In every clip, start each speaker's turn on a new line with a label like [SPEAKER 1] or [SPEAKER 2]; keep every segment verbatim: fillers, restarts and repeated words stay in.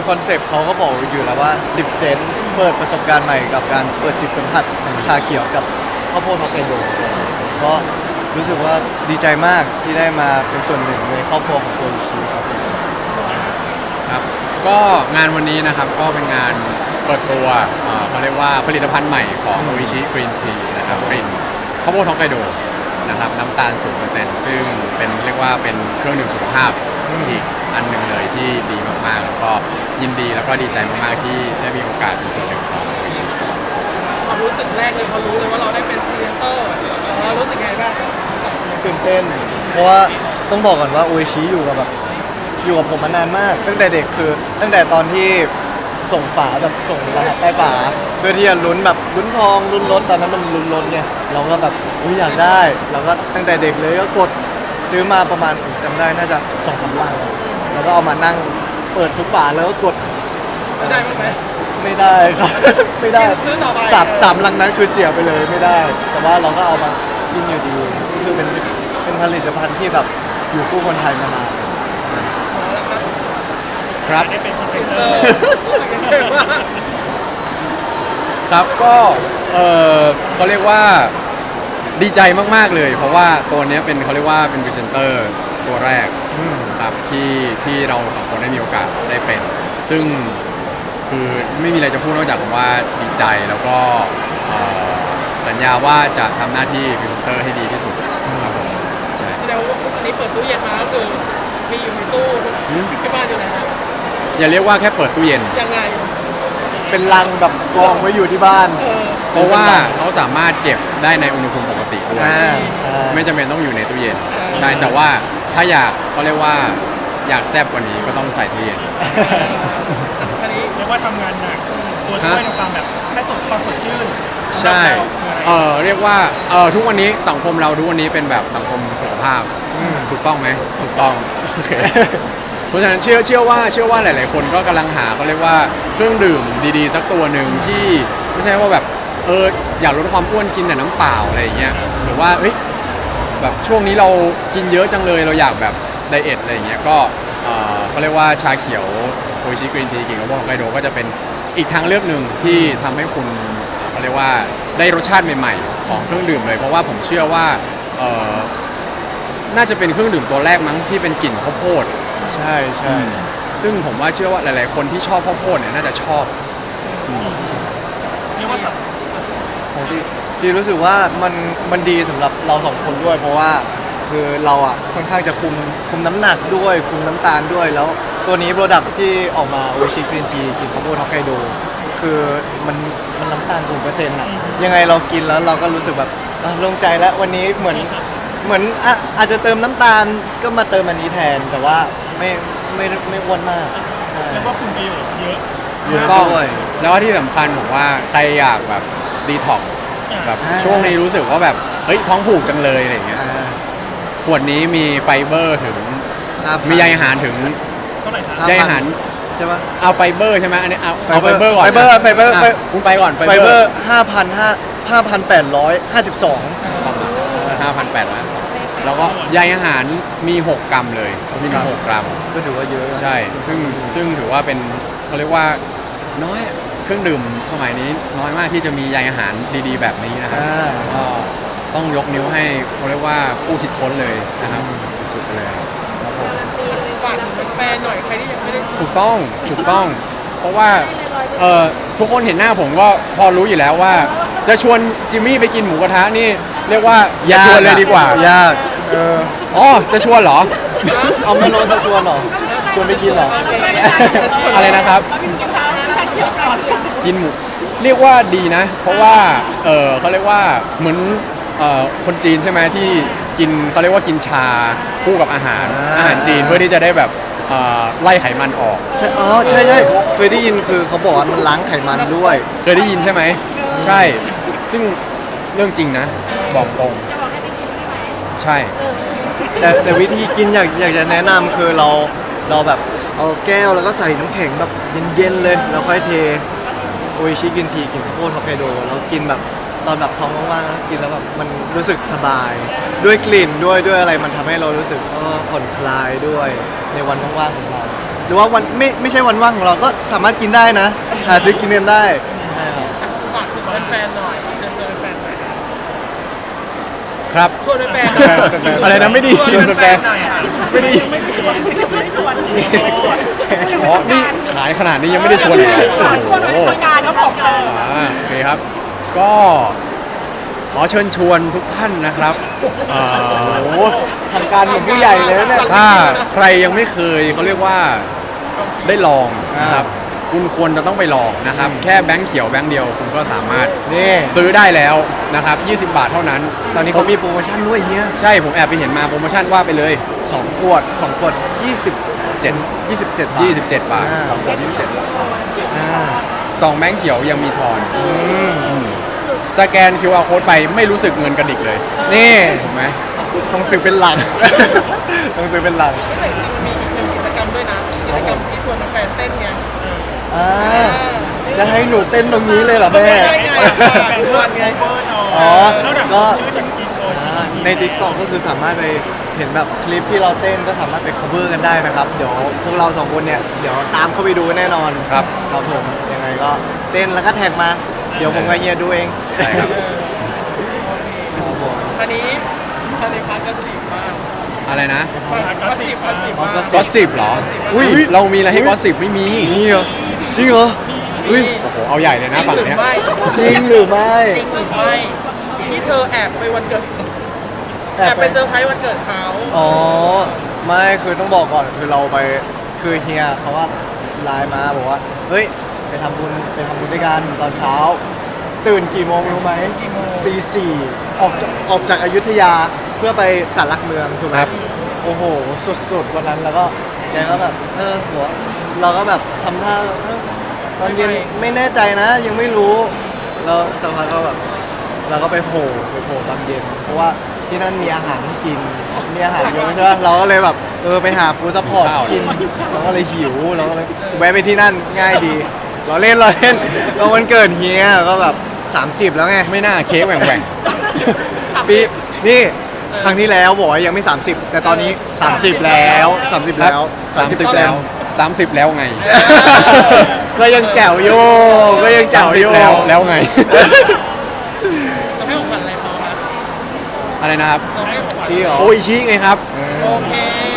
[SPEAKER 1] คอนเซปต์เขาก็บอกอยู่แล้วว่าสิบเซนต์เปิดประสบการณ์ใหม่กับการเปิดจิตสัมผัสของชาเขียวกับข้าวโพดฮอกไกโดก็รู้สึกว่าดีใจมากที่ได้มาเป็นส่วนหนึ่งในครอบครัวของโออิชิครับ
[SPEAKER 2] ครับก็งานวันนี้นะครับก็เป็นงานเปิดตัวเอ่อเขาเรียกว่าผลิตภัณฑ์ใหม่ของโออิชิกรีนทีนะครับกลิ่นข้าวโพดฮอกไกโดนะครับน้ำตาล ศูนย์เปอร์เซ็นต์ ซึ่งเป็นเรียกว่าเป็นเครื่องดื่มสุขภาพอีกอันหนึ่งเลยที่ดีมากๆแล้วก็ยินดีแล้วก็ดีใจมากๆที่ได้มีโอกาสเป็นส่วนหนึ่งของโออิชิ
[SPEAKER 3] ความรู้สึกแรกเลยพอรู้เลยว่าเราได้เป็นพรีเซนเตอร์เรารู้สึกไงบ้าง
[SPEAKER 1] ตื่นเต้นเพราะว่าต้องบอกก่อนว่าโออิชิอยู่กับแบบอยู่กับผมมานานมากตั้งแต่เด็กคือตั้งแต่ตอนที่ส่งฝาแบบส่งรหัสใต้ฝาเพื่อที่จะลุ้นแบบลุ้นทองลุ้นรถตอนนั้นมันลุ้นรถไงเราก็แบบอุ้ยอยากได้เราก็ตั้งแต่เด็กเลยก็กดซื้อมาประมาณผมจำได้น่าจะสองสามลังแล้วก็เอามานั่งเปิดทุกฝาแล้วก็กด
[SPEAKER 3] ได้ไหม
[SPEAKER 1] ไม่ได้ครับ ไม่ได้
[SPEAKER 3] ซื้อต่อไป
[SPEAKER 1] สามสามลังนั้นคือเสียไปเลยไม่ได้ แต่ว่าเราก็เอามากินอยู่ดีคือเป็นเป็นผลิตภัณฑ์ที่แบบอยู่คู่คนไทยมานาน
[SPEAKER 2] ครับ
[SPEAKER 3] ได้เป็นพรีเซนเตอร์รู้สึกยังไงบ้าง
[SPEAKER 2] ครับก็เออเขาเรียกว่าดีใจมากๆเลย เพราะว่าตัวเนี้ยเป็นเขาเรียกว่าเป็นพรีเซนเตอร์ตัวแรก
[SPEAKER 1] อืม
[SPEAKER 2] ครับที่ที่เราสองคนได้มีโอกาสได้เป็น ซึ่งคือไม่มีอะไรจะพูดนอกจากว่าดีใจแล้วก็เอ่อสัญญาว่าจะทำหน้าที่พรีเซนเตอร์ให้ดีที่สุดครับผมใช่
[SPEAKER 3] แสดงว่าอันนี้เปิดตู้เย็นมาก็คือมีอยู่ในตู้ที่บ้านอยู่แล้ว
[SPEAKER 2] อย่าเรียกว่าแค่เปิดตู้เย็น
[SPEAKER 3] ยังไง
[SPEAKER 1] เป็นลังแบบกองไว้อยู่ที่บ้าน
[SPEAKER 3] เออ
[SPEAKER 2] เพราะว่าเขาสามารถเก็บได้ในอุณหภูมิปกติด้วย
[SPEAKER 1] อ่าใช่
[SPEAKER 2] ไม่จำเป็นต้องอยู่ในตู้เย็นใช่แต่ว่าถ้าอยากเขาเรียกว่าอยากแซ่บกว่านี้ก็ต้องใส่ตู้เย็น
[SPEAKER 3] อันนี้
[SPEAKER 4] เรียกว่าทำงานหนักตัวช่วยในความแบบให้สดความสดชื่น
[SPEAKER 2] ใช่เออเรียกว่าเออทุกวันนี้สังคมเราทุกวันนี้เป็นแบบสังคมสุขภาพ
[SPEAKER 1] อืม
[SPEAKER 2] ถูกต้องไหมถูกต้องโอเคเพราะฉะนั้นเชื่อเชื่อว่าเชื่อว่าหลาย ๆ คนก็กำลังหาเขาเรียกว่าเครื่องดื่มดี ๆ สักตัวหนึ่งที่ไม่ใช่ว่าแบบเอออยากลดความอ้วนกินแต่น้ำเปล่าอะไรอย่างเงี้ยหรือว่าเฮ้ยแบบช่วงนี้เรากินเยอะจังเลยเราอยากแบบไดเอทอะไรอย่างเงี้ยก็เออเขาเรียกว่าชาเขียวโออิชิกรีนทีกินกับพวกฮอกไกโดก็จะเป็นอีกทางเลือกหนึ่งที่ทำให้คุณเอ่อเขาเรียกว่าได้รสชาติใหม่ ๆ ของเครื่องดื่มเลยเพราะว่าผมเชื่อว่าเออน่าจะเป็นเครื่องดื่มตัวแรกมั้งที่เป็นกลิ่นข้าวโพด
[SPEAKER 1] ใช่ใช่
[SPEAKER 2] ซึ่งผมว่าเชื่อว่าหลาย ๆ คนที่ชอบข้าวโพดเนี่ยน่าจะชอบ
[SPEAKER 4] เรียกว่าสับ
[SPEAKER 1] ของซีซีรู้สึกว่ามันมันดีสำหรับเราสองคนด้วย เพราะว่าคือเราอ่ะค่อนข้างจะคุมคุมน้ำหนักด้วยคุมน้ำตาลด้วยแล้วตัวนี้โปรดักที่ออกมาโอชิกรีนทีกินข้าวโพดฮอกไกโดคือมันมันน้ำตาลศูนย์เปอร์เซ็นต์อ่ะยังไงเรากินแล้วเราก็รู้สึกแบบอ่ะโล่งใจแล้ววันนี้เหมือนเหมือนอ่ะอาจจะเติมน้ำตาลก็มาเติมอันนี้แทน แต่ว่าไม่ไม่ไม่อ้วนมากใช่
[SPEAKER 4] เรียกว่าคุณประโยชน์เยอะ
[SPEAKER 1] เยอะ
[SPEAKER 2] ต้อง
[SPEAKER 1] ด้วย
[SPEAKER 2] แล้วก็ที่สำคัญผมว่าใครอยากแบบดีท็อกซ์แบบ
[SPEAKER 1] อ่า
[SPEAKER 2] ช่วงนี้รู้สึกว่าแบบเฮ้ยท้องผูกจังเลยอะไรอย่างเงี้ย
[SPEAKER 1] อ่า
[SPEAKER 2] ขวดนี้มีไฟเบอร์ถึง
[SPEAKER 1] ห้าพัน
[SPEAKER 2] มีใยอาหารถึง
[SPEAKER 4] เท่าไหร่ครับ
[SPEAKER 1] ห้าพัน
[SPEAKER 2] ใยอาหาร
[SPEAKER 1] ใช่ปะ
[SPEAKER 2] เอาไฟเบอร์ใช่ไหมอันนี้เอาเอาไฟ
[SPEAKER 1] ไฟ
[SPEAKER 2] เบ
[SPEAKER 1] เบ
[SPEAKER 2] อ
[SPEAKER 1] อร์
[SPEAKER 2] ร์ก่อน
[SPEAKER 1] ไฟเบอร์
[SPEAKER 2] นะ
[SPEAKER 1] ไฟเบอร์
[SPEAKER 2] ะ
[SPEAKER 1] ไฟ
[SPEAKER 2] คุณไปก่อน
[SPEAKER 1] ไฟเบอร์ห้าพันห้าห้าพันแปดร้อยห้าสิบสอง
[SPEAKER 2] ห้าพันแปดร้อยแล้วก็ใยอาหารมีหกกรัมเลยมี
[SPEAKER 1] ครับ
[SPEAKER 2] หกกรัม
[SPEAKER 1] ก็ถือว่าเยอะ
[SPEAKER 2] ใช่ ซึ่งซึ่งถือว่าเป็นเขาเรียกว่าน้อยเครื่องดื่มสมัยนี้น้อยมากที่จะมีใยอาหารดีๆ แบบนี้นะครับ
[SPEAKER 1] อ่า
[SPEAKER 2] ก็ต้องยกนิ้วให้เขาเรียกว่าผู้คิดค้นเลยนะครับสุดๆไปเลย
[SPEAKER 3] ฝากถึงแฟนๆหน่อยใครที่ยังไม่ได้ซื้อ
[SPEAKER 2] ถูกต้องถูกต้อง เพราะว่าเอ่อทุกคนเห็นหน้าผมก็พอรู้อยู่แล้วว่า จะชวนจิมมี่ไปกินหมูกระทะนี่เรียกว่าอย่าชวนเลยดีกว่า
[SPEAKER 1] ยากเออ
[SPEAKER 2] อ๋อจะชวนเหรอ
[SPEAKER 1] เอาไม่ลดจะชวนเหรอชวนไปกินเหรอ
[SPEAKER 2] อะไรนะครับ กินหมูเรียกว่าดีนะ เพราะว่าเออเขาเรียกว่าเหมือนเอ่อคนจีนใช่ไหมที่กินเขาเรียกว่ากินชาคู่กับอาหาร
[SPEAKER 1] อ่า
[SPEAKER 2] อาหารจีนเพื่อที่จะได้แบบเอ่อไล่ไขมันออก
[SPEAKER 1] ใช่อ๋อใช่ใช่เคยได้ยินคือเขาบอกว่ามันล้างไขมันด้วย
[SPEAKER 2] เคยได้ยินใช่ไหมใช่ ซึ่งเรื่องจริงนะ บอกตรงใช่
[SPEAKER 1] แต่แต่วิธีกินอยากอยากจะแนะนำคือเราเราแบบเอาแก้วแล้วก็ใส่น้ำแข็งแบบเย็นๆเลยแล้วค่อยเทโออิชิกินทีกินข้าวโพดฮอกไกโดแล้วกินแบบตอนแบบท้องว่างๆแล้วกินแล้วแบบมันรู้สึกสบาย ด้วยกลิ่นด้วยด้วยอะไรมันทำให้เรารู้สึกเออผ่อนคลายด้วยในวันว่างๆของเราหรือว่าวันไม่ไม่ใช่วันว่างของเราก็สามารถกินได้นะหาซื้อกินกันได้ใช่ครับ
[SPEAKER 3] ฝากถึงแฟนๆหน่อยเชิญชวนแฟนๆหน่อย
[SPEAKER 2] ครับ
[SPEAKER 3] ชวนแฟนๆหน่อย
[SPEAKER 2] อะไรนะไม่ดี
[SPEAKER 3] ชวนแฟนๆหน่อยค่ะ
[SPEAKER 2] ไม่ดี
[SPEAKER 4] ไม่ได้ชวนไม่ได้ชวน
[SPEAKER 2] อ๋อนี่ขายขนาดนี้ยังไม่ได้ชวนเลย
[SPEAKER 4] ชวนไปทำงานครับผมเออ
[SPEAKER 2] อ่าโอเคครับ ก็ขอเชิญชวนทุกท่านนะครับเอ่อ
[SPEAKER 1] โอ้โหทางการเหมือนผู้ใหญ่เลยนะเนี่ย
[SPEAKER 2] ถ้าใครยังไม่เคยเขาเรียกว่าได้ลองนะครับคุณควรจะต้องไปลองนะครับ แค่แบงค์เขียวแบงค์เดียวคุณก็สามารถ
[SPEAKER 1] นี่
[SPEAKER 2] ซื้อได้แล้วนะครับยี่สิบบาทเท่านั้น
[SPEAKER 1] ตอนนี้เขามีโปรโมชั่นด้วยเฮีย
[SPEAKER 2] ใช่ผมแอบไปเห็นมาโปรโมชั่นว่าไปเลย
[SPEAKER 1] สองขวดสองขวดยี่สิบเจ็ดยี่สิบเจ็ดบาท
[SPEAKER 2] ยี่สิบเจ็ดบาท
[SPEAKER 1] อ่สองขวดยี่สิบเจ็ดบาทอ่า
[SPEAKER 2] ซองแบงค์เขียวยังมีทอน
[SPEAKER 1] อืม
[SPEAKER 2] สแกน คิว อาร์ code ไปไม่รู้สึกเงินกระดิกเลย
[SPEAKER 1] นี่
[SPEAKER 2] ถูกไหม
[SPEAKER 1] ต้องซื้อเป็นหลัง ต้องซื้อเป็นหลัง
[SPEAKER 3] แต่จริงๆมันมีอีกหนึ่งกิจกรรมด้วยนะกิจกรรมที่ชวนแฟนๆเต้นไง
[SPEAKER 1] อ่าจะให้หนูเต้นตรงนี้เลยเหรอแม่
[SPEAKER 3] ไม่ได้ไงชวนไง
[SPEAKER 1] อ๋อ
[SPEAKER 4] แล้วเดี๋ยว
[SPEAKER 1] ก็
[SPEAKER 4] ชื่อจากกินโอชิ
[SPEAKER 1] อ่าใน ติ๊กต็อก ก็คือสามารถไปเห็นแบบคลิปที่เราเต้นก็สามารถไป cover กันได้นะครับ เดี๋ยวพวกเราสองคนเนี่ย เดี๋ยวตามเข้าไปดูแน่นอน
[SPEAKER 2] ครับ
[SPEAKER 1] ครับผม ยังไงก็เต้นแล้วก็แท็กมา เดี๋ยวผมกับเฮียดูเอง
[SPEAKER 2] ใช่ครับ
[SPEAKER 1] ครับผม
[SPEAKER 3] อันนี้อันนี้พักกระสิบมาก
[SPEAKER 2] อะไรนะ
[SPEAKER 3] กระสิบกระสิบ
[SPEAKER 1] อ๋อ
[SPEAKER 3] มาก
[SPEAKER 1] ก็
[SPEAKER 2] ก็สิบเหรอ อุ้ยเรามีอะไรให้ก็สิบไม่มี
[SPEAKER 1] นี่เหรอ จริงเหรอ อุ้ย
[SPEAKER 2] โอ้โห เอาใหญ่เลยนะฝั่ง
[SPEAKER 3] หรื
[SPEAKER 2] เนี้ย
[SPEAKER 3] ไม่
[SPEAKER 1] จริงหรือไม่
[SPEAKER 3] จริงหรือไม่ที่เธอแอบไปวันเกิดแอบไปเซอร์ไพรส์วันเกิดเขา
[SPEAKER 1] อ๋อ ไม่คือต้องบอกก่อนคือเราไปคือเฮียเขาว่าไลน์มาบอกว่า เฮ้ย ไปทำบุญไปทำบุญด้วยกันตอนเช้า ตื่นกี่โมงรู้ไหม
[SPEAKER 3] กี่โมง
[SPEAKER 1] ตีสี่ออกจากออกจากอยุธยาเพื่อไปสารหลักเมืองถูกไหม
[SPEAKER 2] ครับ
[SPEAKER 1] โอ้โห สุดๆ วันนั้นแล้วก็แกก็แบบ เออหัวเราก็แบบทำท่าเออตอนเย็นไม่แน่ใจนะ ยังไม่รู้แล้วสักพักก็แบบเราก็ไปโผล่ไปโผล่ตอนเย็น เพราะว่าที่นั่นมีอาหารให้กิน มีอาหารเยอะใช่ไหมเราก็เลยแบบเออไปหาฟู้ดซัพพอร์ตกินเราก็เลยหิวเราก็เลยแวะไปที่นั่นง่ายดี เราเล่นเราเล่นเราวันเกิดเฮียก็แบบสามสิบแล้วไง
[SPEAKER 2] ไม่น่าเค้กแหว่งแหว่ง
[SPEAKER 1] ปีนี่ครั้งที่แล้วบอกว่ายังไม่ สามสิบ แต่ตอนนี้ สามสิบ แล้ว สามสิบ แล้ว
[SPEAKER 2] สามสิบแล้วสามสิบแล้วไง
[SPEAKER 1] ก็ยังแจ๋วโยก็ยังแจ๋วโย
[SPEAKER 2] แล้วแล้วไง
[SPEAKER 3] เราให้ของขวัญอะไรเขาคะ
[SPEAKER 2] อะไรนะครับ
[SPEAKER 3] เราให้ของขวัญ
[SPEAKER 1] ชี้เหรอ
[SPEAKER 2] โอ้ยชี้ไงครับ
[SPEAKER 3] โอเค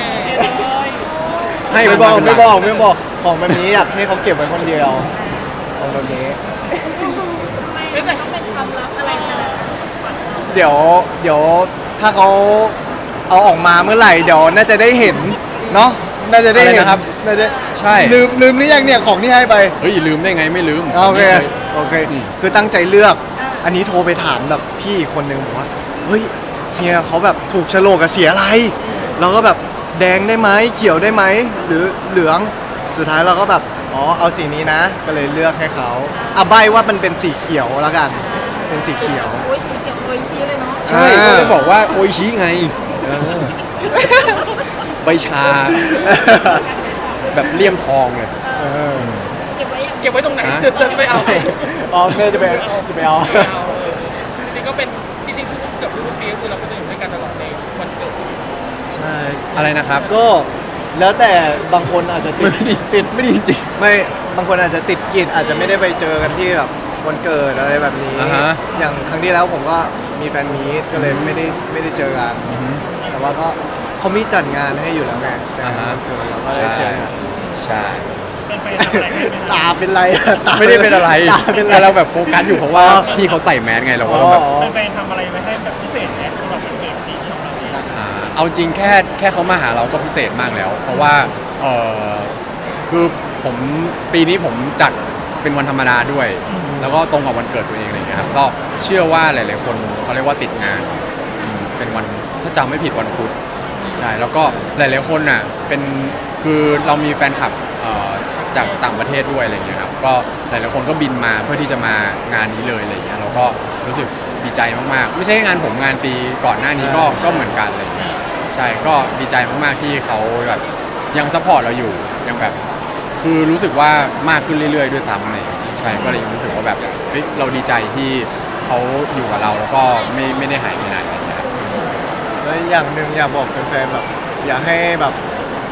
[SPEAKER 2] ให้
[SPEAKER 1] ไม่บอก
[SPEAKER 2] น
[SPEAKER 1] ไม่
[SPEAKER 2] เป็นหลั
[SPEAKER 1] บอกไม่บอกของแบบนี้อยากให้เขาเก็บไว้คนเดียวของแบบนี้
[SPEAKER 3] ไม่แต่ต้องเป็นความลับอะไรขนาดนั้น
[SPEAKER 1] เดี๋ยวเดี๋ยวถ้าเขาเอาออกมาเมื่อไหร่เดี๋ยวน่าจะได้เห็นเนาะน่าจะได้เห็น
[SPEAKER 2] อะไรนะครับ
[SPEAKER 1] น่าจะ
[SPEAKER 2] ใช่
[SPEAKER 1] ลืมลืมหรือยังเนี่ยของที่ให้ไป
[SPEAKER 2] เฮ้ยลืมได้ไงไม่ลืม
[SPEAKER 1] โอเค
[SPEAKER 2] ไม่ย
[SPEAKER 1] โอเค
[SPEAKER 2] อืม
[SPEAKER 1] คือตั้งใจเลือก อันนี้โทรไปถามแบบพี่อีกคนนึงบอกว่า เฮ้ยเฮียเขาแบบถูกโฉลกกับเสียอะไร เราก็แบบแดงได้ไหมเขียวได้ไหมหรือเหลือง สุดท้ายเราก็แบบ อ๋อ เอาสีนี้นะ ก็เลยเลือกให้เขาอ่ะใบว่ามันเป็นสีเขียวแล้วกัน เป็นสีเขียว
[SPEAKER 5] โอ้ยสีเขียวโอ้ยชี้เลยเนาะ
[SPEAKER 2] ใช่
[SPEAKER 1] อ่า
[SPEAKER 2] ก็เลยบอกว่าโออิชิไงใบชา แบบเลี่ยมทองเลย
[SPEAKER 1] เออ
[SPEAKER 5] เก็บไว้ยัง
[SPEAKER 3] เก็บไว้ตรงไหน
[SPEAKER 2] ฮะ
[SPEAKER 3] เดี๋ยวฉันไปเอาไป
[SPEAKER 1] อ๋อแม่จะไปจะไปเอา
[SPEAKER 3] เอาเออจริงๆก็เป็นจริงๆทุกเกือบทุกปีก็คือเราก็จะอยู่ด้วยกันตลอดในวันเกิด
[SPEAKER 1] ใช่
[SPEAKER 2] อะไรนะครับ
[SPEAKER 1] ก็แล้วแต่บางคนอาจจะติด
[SPEAKER 2] ไม่ได้
[SPEAKER 1] ติด
[SPEAKER 2] ไม่ได้จริง
[SPEAKER 1] ไม่บางคนอาจจะติดกิจอาจจะไม่ได้ไปเจอกันที่แบบวันเกิดอะไรแบบนี้
[SPEAKER 2] อ่าฮะ
[SPEAKER 1] อย่างครั้งที่แล้วผมก็มีแฟนมีตก็เลยไม่ได้ไม่ได้เจอกัน แต่ว่าก็เขามีจัดงานให้อยู่แล้วไงจัดงานวันเกิดเราก็ได้เจอกัน
[SPEAKER 2] ใช่
[SPEAKER 4] เป็นแฟนทำอะไรกันไหม
[SPEAKER 1] ตาเป็นไรอะตา
[SPEAKER 2] ไม่ได้เป็นอะไร
[SPEAKER 1] ตาเป็นไร
[SPEAKER 2] แต่เราแบบโฟกัสอยู่เพราะว่า
[SPEAKER 1] อ๋อ
[SPEAKER 2] พี่เขาใส่แมสไงเรา
[SPEAKER 1] อ๋
[SPEAKER 2] ก็
[SPEAKER 1] อ
[SPEAKER 2] ต้องแบบ
[SPEAKER 4] เป็นแฟนทำอะไรไว้ให้แบบพิเศษไหมสำหรับวันเกิดปีนี้ของเราเอง
[SPEAKER 2] อ่าเอาจริงแค่แค่เขามาหาเราก็พิเศษมากแล้ว เพราะว่าเออคือผมปีนี้ผมจัดเป็นวันธรรมดาด้วย แล้วก็ตรงกับวันเกิดตัวเองอะไรอย่างเงี้ยครับก็เชื่อว่าหลาย ๆ คนเขาเรียกว่าติดงานอืมเป็นวันถ้าจำไม่ผิดวันพุธใช่แล้วก็หลาย ๆ คนน่ะเป็นคือเรามีแฟนคลับเอ่อจากต่างประเทศด้วยอะไรอย่างเงี้ยครับก็หลาย ๆ คนก็บินมาเพื่อที่จะมางานนี้เลยอะไรอย่างเงี้ยเราก็รู้สึกดีใจมาก ๆ ไม่ใช่งานผมงานฟรีก่อนหน้านี้ก็ก็เหมือนกันอะไรอย่างเลย ใช่ ก็ดีใจมาก ๆ ที่เขาแบบยังซัพพอร์ตเราอยู่ ยังแบบ คือรู้สึกว่ามากขึ้นเรื่อย ๆ ด้วยซ้ำเลยใช่ ก็เลยยังรู้สึกว่าแบบเฮ้ยเราดีใจที่เขาอยู่กับเราแล้วก็ไม่ไม่ได้หายไปไหนอะไรอย่างเงี้ยครับ
[SPEAKER 1] แล้วอย่างหนึ่งอยากบอกแฟนๆแบบอยากให้แบบ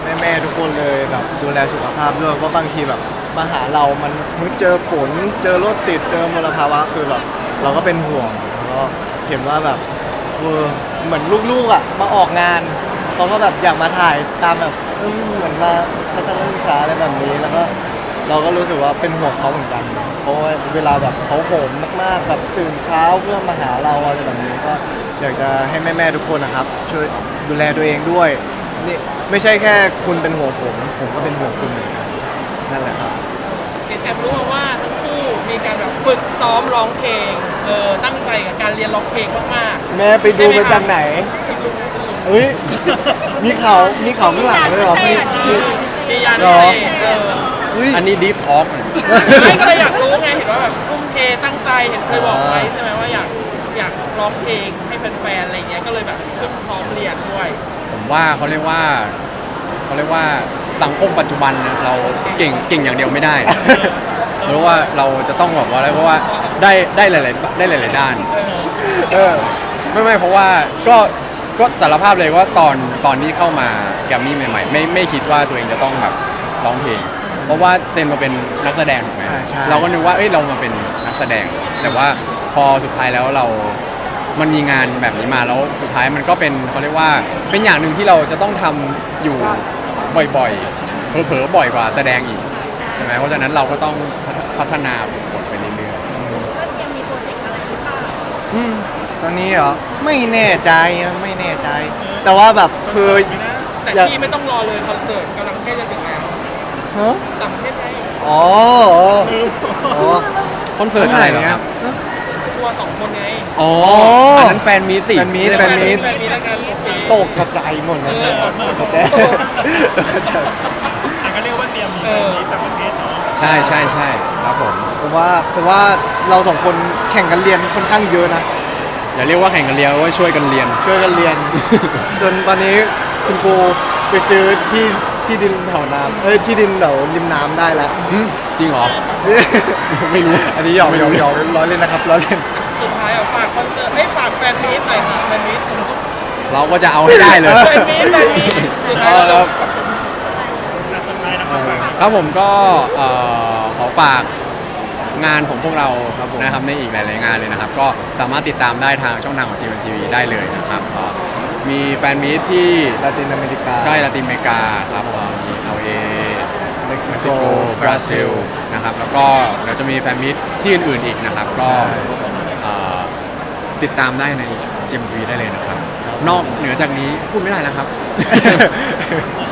[SPEAKER 1] แม่ๆทุกคนเลยแบบดูแลสุขภาพด้วยเพราะบางทีแบบมาหาเรามันเจอฝนเจอรถติดเจอมลภาวะคือแบบเราก็เป็นห่วงแล้วก็เห็นว่าแบบเออเหมือนลูกๆอ่ะมาออกงานเขาก็แบบอยากมาถ่ายตามแบบเออเหมือนมาทัศนศึกษาอะไรแบบนี้แล้วก็เราก็รู้สึกว่าเป็นห่วงเขาเหมือนกัน เพราะว่าเวลาแบบเขาโหมมากๆแบบตื่นเช้าเพื่อมาหาเราอะไรแบบนี้ก็อยากจะให้แม่ๆทุกคนนะครับ ช่วยดูแลตัวเองด้วยนี่ไม่ใช่แค่คุณเป็นห่วงผมผมก็เป็นห่วงคุณเหมือนกันนั่นแหละครับ
[SPEAKER 3] เห็นแอบรู้มาว่าทั้งคู่มีการแบบฝึกซ้อมร้องเพลงเออตั้งใจกับการเรียนร้องเพลงมาก
[SPEAKER 1] แม่ไปดูมาจากไหน
[SPEAKER 3] ๆฉันรู้ฉันรู้
[SPEAKER 1] เฮ้ยมีเขามีเขาข้างหลังด้วยเหรอมีมี
[SPEAKER 3] มียาน
[SPEAKER 1] หรอ
[SPEAKER 3] เท่เออ
[SPEAKER 1] เฮ้ย
[SPEAKER 2] อันนี้ดีฟทอล์ก
[SPEAKER 3] ไม่ก็เลยอยากรู้ไงเห็นว่าแบบทุ่มเทตั้งใจเห็นเคยบอกไว้ใช่ไหมว่าอยากอยากร้องเพลงให้แฟนๆอะไรเงี้ยก็เลยแบบขึ้นซ้อมเรียนด้วย
[SPEAKER 2] ผมว่าเขาเรียกว่าเขาเรียกว่าสังคมปัจจุบันนะเราเก่งเก่งอย่างเดียวไม่ได้ เพราะว่าเราจะต้องแบบว่าอะไรเพราะว่าได้ได้หลายๆได้หลายๆด้าน
[SPEAKER 3] เออ
[SPEAKER 1] เออ
[SPEAKER 2] ไม่ไม่เพราะว่าก็ก็สารภาพเลยว่าตอนตอนที่เข้ามาแกรมมี่ใหม่ๆไม่ไม่คิดว่าตัวเองจะต้องแบบร้องเพลง เพราะว่าเซนมาเป็นนักแสดงถูกไหม
[SPEAKER 1] อ่าใช่
[SPEAKER 2] เราก็นึกว่าเอ้ยเรามาเป็นนักแสดง แต่ว่าพอสุดท้ายแล้วเรา มันมีงานแบบนี้มาแล้วสุดท้ายมันก็เป็นเขาเรียกว่าเป็นอย่างหนึ่งที่เราจะต้องทำอยู่บ่อยๆเผลอๆบ่อยกว่าแสดงอีกใช่ไหมเพราะฉะนั้นเราก็ต้องพัฒนาฝึกฝนไปเรื่อย
[SPEAKER 5] ก็ยังมีโปรเจกต์อะไรหรือเปล่า
[SPEAKER 1] อืมตอนนี้เหรอไม่แน่ใจนะไม่แน่ใจ แต่ว่าแบบคือ
[SPEAKER 3] แต่
[SPEAKER 1] อยาก
[SPEAKER 3] ที่ไม่ต้องรอเลยคอนเสิร์ตกำลังใกล้จะถึงแล้ว
[SPEAKER 1] ฮะ
[SPEAKER 3] ต่างประเทศไง
[SPEAKER 1] อ๋ออ๋อ
[SPEAKER 2] ๆคอนเสิร์ตอะไรเหรอครับ
[SPEAKER 3] ทัวร์สองคนไง
[SPEAKER 2] อ๋ออันนั้นแฟนมีตสิ
[SPEAKER 1] แฟนมีต
[SPEAKER 2] ไใช่
[SPEAKER 1] แฟนมีต
[SPEAKER 3] แฟนมีแล้วกันโอเค
[SPEAKER 1] ตกกระจายหมดนะ
[SPEAKER 3] เออ
[SPEAKER 1] กระจายกระจาย
[SPEAKER 4] อ่ะก็เรียกว่าเตรียมมี
[SPEAKER 3] เออ
[SPEAKER 4] มีต่างประเทศเนาะ
[SPEAKER 2] ใช่ใช่ใช่ครับผม
[SPEAKER 1] ผมว่าผมว่าเราสองคนแข่งกันเรียนค่อนข้างเยอะนะ
[SPEAKER 2] อย่าเรียกว่าแข่งกันเรียนว่าช่วยกันเรียน
[SPEAKER 1] ช่วยกันเรียน จนตอนนี้คุณครูไปซื้อที่ที่ดินแถวน้ำเอ้ยที่ดินแถวริมน้ำได้แล้ว
[SPEAKER 2] หึจริงเหรอ ไม่รู้
[SPEAKER 1] อันนี้หยอก
[SPEAKER 2] ไม่
[SPEAKER 1] หย
[SPEAKER 2] รู้
[SPEAKER 1] อกหยอกล้อเล่นนะครับล้อเล่น
[SPEAKER 3] สุดท้ายอ่ะฝากคอนเสิร์ตเอ้ยฝากแฟนมีตหน่อยค่ะแฟนมีต
[SPEAKER 2] เราก็จะเอาให้ได้เลย
[SPEAKER 3] แฟนมีตแฟนมีตสุดท้ายแล้ว
[SPEAKER 1] ครับ
[SPEAKER 4] อ่ะสุดท้ายนะครับฝาก
[SPEAKER 2] ครับผมก็เอ่อขอฝากงานของพวกเรา
[SPEAKER 1] ครับผม
[SPEAKER 2] นะครับในอีกหลาย ๆ งานเลยนะครับ ก็สามารถติดตามได้ทางช่องทางของ จี เอ็ม ที วี ได้เลยนะครับก็มีแฟนมีตที่
[SPEAKER 1] ลาตินอเมริกา
[SPEAKER 2] ใช่ลาตินอเมริกาครับเอ่อมี แอล เอ
[SPEAKER 1] เม็กซิ
[SPEAKER 2] เม็ก
[SPEAKER 1] โก
[SPEAKER 2] ซิโกบราซิลนะครับแล้วก็เดี๋ยวจะมีแฟนมีตที่อื่น ๆ อีกนะครับ ก็
[SPEAKER 1] ใช่
[SPEAKER 2] เอ่อติดตามได้ใน จี เอ็ม ที วี ได้เลยนะครับ นอกเหนือจากนี้พูดไม่ได้แล้วครับ